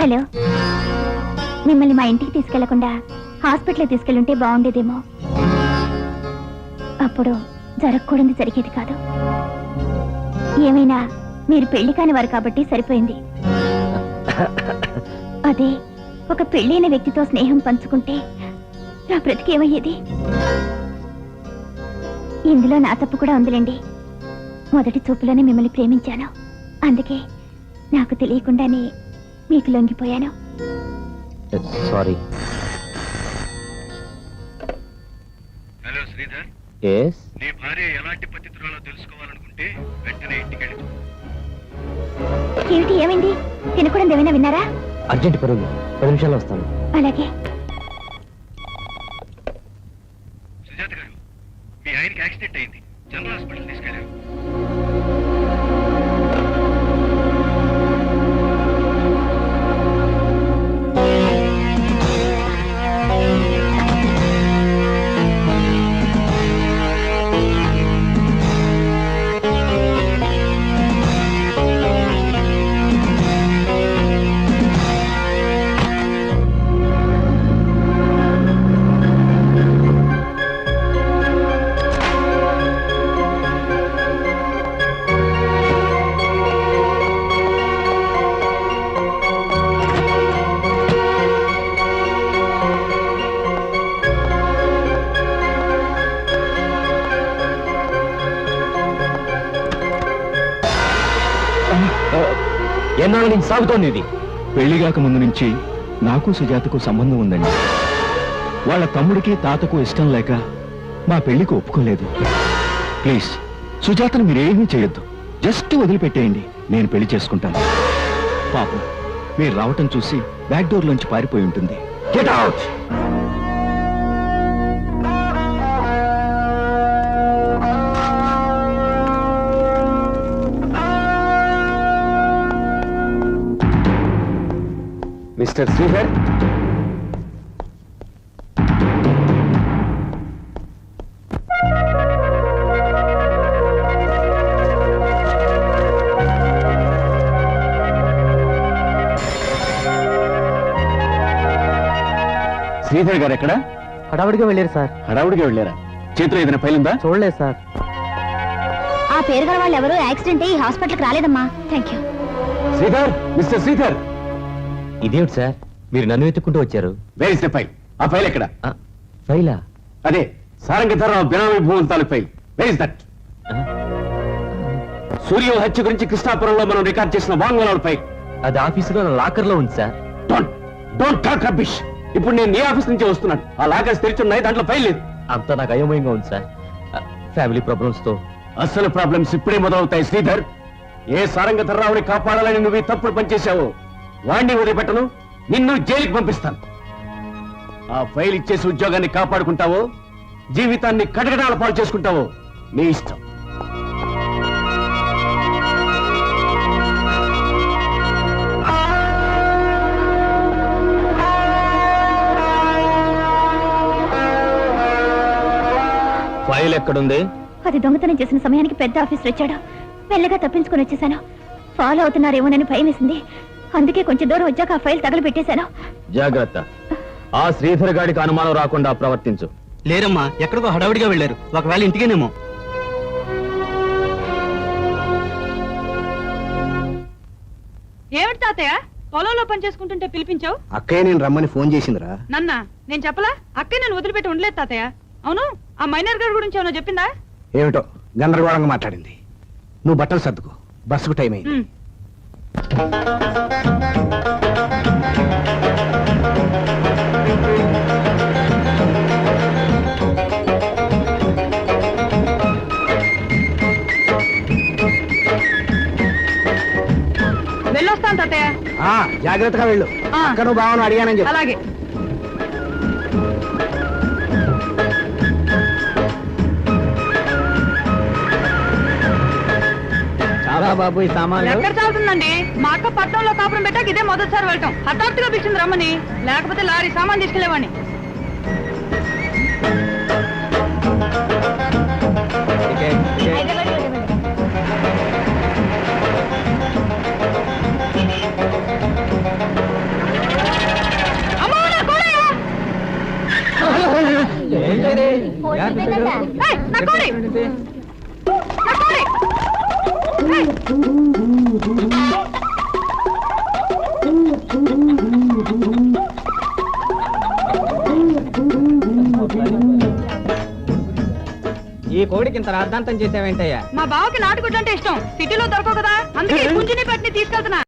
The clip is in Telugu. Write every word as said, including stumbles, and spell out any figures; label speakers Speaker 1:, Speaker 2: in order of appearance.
Speaker 1: హలో, మిమ్మల్ని మా ఇంటికి తీసుకెళ్లకుండా హాస్పిటల్ తీసుకెళ్ళుంటే బాగుండేదేమో. అప్పుడు జరగకూడదు జరిగేది కాదు. ఏమైనా మీరు పెళ్లి కాని వారు కాబట్టి సరిపోయింది. అదే ఒక పెళ్ళైన వ్యక్తితో స్నేహం పంచుకుంటే నా బ్రతికేమయ్యేది? ఇందులో నా తప్పు కూడా ఉందిలేండి. మొదటి చూపులోనే మిమ్మల్ని ప్రేమించాను. అందుకే నాకు తెలియకుండానే మీకు లొంగిపోయాను.
Speaker 2: సారీ.
Speaker 3: Hello Sridhar,
Speaker 2: yes.
Speaker 3: నీ భార్య ఎలాంటి పతితురాలో తెలుసుకోవాలనుకుంటే వెంటనే ఇంటికి వెళ్ళి.
Speaker 1: ఏమిటి, ఏమైంది? తినకూడదు ఏమైనా విన్నారా?
Speaker 2: అర్జెంట్ పరుగు, పది నిమిషాల్లో వస్తాను.
Speaker 1: అలాగే.
Speaker 3: సుజాత గారు, మీ ఆయనకి యాక్సిడెంట్ అయింది, జనరల్ హాస్పిటల్ తీసుకెళ్ళారు.
Speaker 2: ఎన్నాళ్ళ నుంచి సాగుతోంది ఇది?
Speaker 4: పెళ్లిగాక ముందు నుంచి నాకు సుజాతకు సంబంధం ఉందండి. వాళ్ళ తమ్ముడికి తాతకు ఇష్టం లేక మా పెళ్లికి ఒప్పుకోలేదు. ప్లీజ్ సుజాతను మీరేమీ చేయొద్దు, జస్ట్ వదిలిపెట్టేయండి, నేను పెళ్లి చేసుకుంటాను. పాపం మీరు రావటం చూసి బ్యాక్ డోర్ లోంచి పారిపోయి ఉంటుంది. Get out!
Speaker 2: Mister Sridhar,
Speaker 4: Sridhar garu ఎక్కడ?
Speaker 2: హడావుడిగా వెళ్ళారు సార్.
Speaker 4: హడావుడిగా వెళ్ళారా? చేతిలో ఏదైనా పైలుందా?
Speaker 2: చూడలేదు సార్.
Speaker 1: ఆ పేరు గల వాళ్ళు ఎవరు యాక్సిడెంట్ అయ్యి హాస్పిటల్కి రాలేదమ్మా. Thank you.
Speaker 4: Sridhar, mister Sridhar.
Speaker 2: ఇదేమిటి సార్, మీరు నన్ను వెతుక్కుంటూ వచ్చారు?
Speaker 4: Where is the file? ఆ ఫైల్ ఎక్కడ?
Speaker 2: ఫైలా?
Speaker 4: అదే సారంగధరరావు బినామీ భూముల తాలూకు file. Where is that? Surya హత్య గురించి కృష్ణాపురంలో మనం రికార్డ్ చేసిన వాంగ్మూలాల ఫైల్.
Speaker 2: అది ఆఫీసులో లాకర్ లో ఉంది sir.
Speaker 4: Don't don't talk rubbish. ఇప్పుడు నేను నీ ఆఫీస్ నుంచి వస్తున్నాను. ఆ లాకర్స్ తెరిచున్నాయి, దాంట్లో ఫైల్ లేదు.
Speaker 2: అంతా నాకు అయోమయంగా ఉంది సార్. ఫ్యామిలీ ప్రాబ్లమ్స్ తో.
Speaker 4: అసలు ప్రాబ్లమ్స్ ఇప్పుడే మొదలవుతాయి శ్రీధర్. ఏ సారంగధరరావుని కాపాడాలని నువ్వు ఈ తప్పుడు పనిచేశావు, వాణ్ణి వదిలిపెట్టను, నిన్ను జైలుకి పంపిస్తాను. ఆ ఫైల్ ఇచ్చేసి ఉద్యోగాన్ని కాపాడుకుంటావో జీవితాన్ని కటకటాల పాలు చేసుకుంటావో నీ ఇష్టం.
Speaker 2: ఫైల్ ఎక్కడుంది?
Speaker 1: అది దొంగతనం చేసిన సమయానికి పెద్ద ఆఫీసర్ వచ్చాడు. మెల్లగా తప్పించుకొని వచ్చేసాను. ఫాలో అవుతున్నారేమోనని భయం వేసింది. అందుకే కొంచెం దూరం వచ్చాక ఆ ఫైల్ తగలు పెట్టేశాను.
Speaker 2: జాగ్రత్త, ఆ శ్రీధర్ గాడికి అనుమానం రాకుండా ప్రవర్తించు.
Speaker 5: లేరమ్మా, ఎక్కడికో హడావుడిగా వెళ్ళారు. ఒకవేళ ఇంటికేనేమో.
Speaker 6: ఏమిటి తాతయ్య పొలంలో పని చేసుకుంటుంటే పిలిపించావు?
Speaker 5: అక్కయ్య నేను రమ్మని ఫోన్ చేసిందిరా.
Speaker 6: నన్నా నేను చెప్పలా? అక్కే నన్ను వదిలిపెట్టి ఉండలేదు తాతయ్య. అవును, ఆ మైనర్ గారి గురించి ఏమన్నా చెప్పిందా?
Speaker 5: ఏమిటో గందరగోళంగా మాట్లాడింది. నువ్వు బట్టలు సర్దుకో, బస్సుకు టైం అయింది.
Speaker 6: ఉమ్. వెళ్ళొస్తాను తాతయ్య.
Speaker 5: ఆ జాగ్రత్తగా వెళ్ళు.
Speaker 6: ఆ.
Speaker 5: అక్కడ నువ్వు బావను అడిగానని చెప్పు.
Speaker 6: అలాగే.
Speaker 5: చాలా బాబు ఈ సామాన్లు.
Speaker 6: ఎక్కడ చాలుతుందండి? మా అక్క పట్నంలో కాపురం పెట్టాక ఇదే మొదటిసారి వెళ్ళటం. హఠాత్తుగా పిలిచింది రమ్మని, లేకపోతే లారీ సామాన్ తీసుకెళ్లేవాడిని. ఏయ్, నా కోడి! నా కోడి! ఏయ్!
Speaker 7: ఈ కోడికి ఇంత రాద్ధాంతం చేసావేంటయ్యా?
Speaker 6: మా బావకి నాటుగుడ్డు అంటే ఇష్టం. సిటీలో దొరకవు కదా, అందుకే పుంజిని పెట్టిని తీసుకెళ్తున్నా.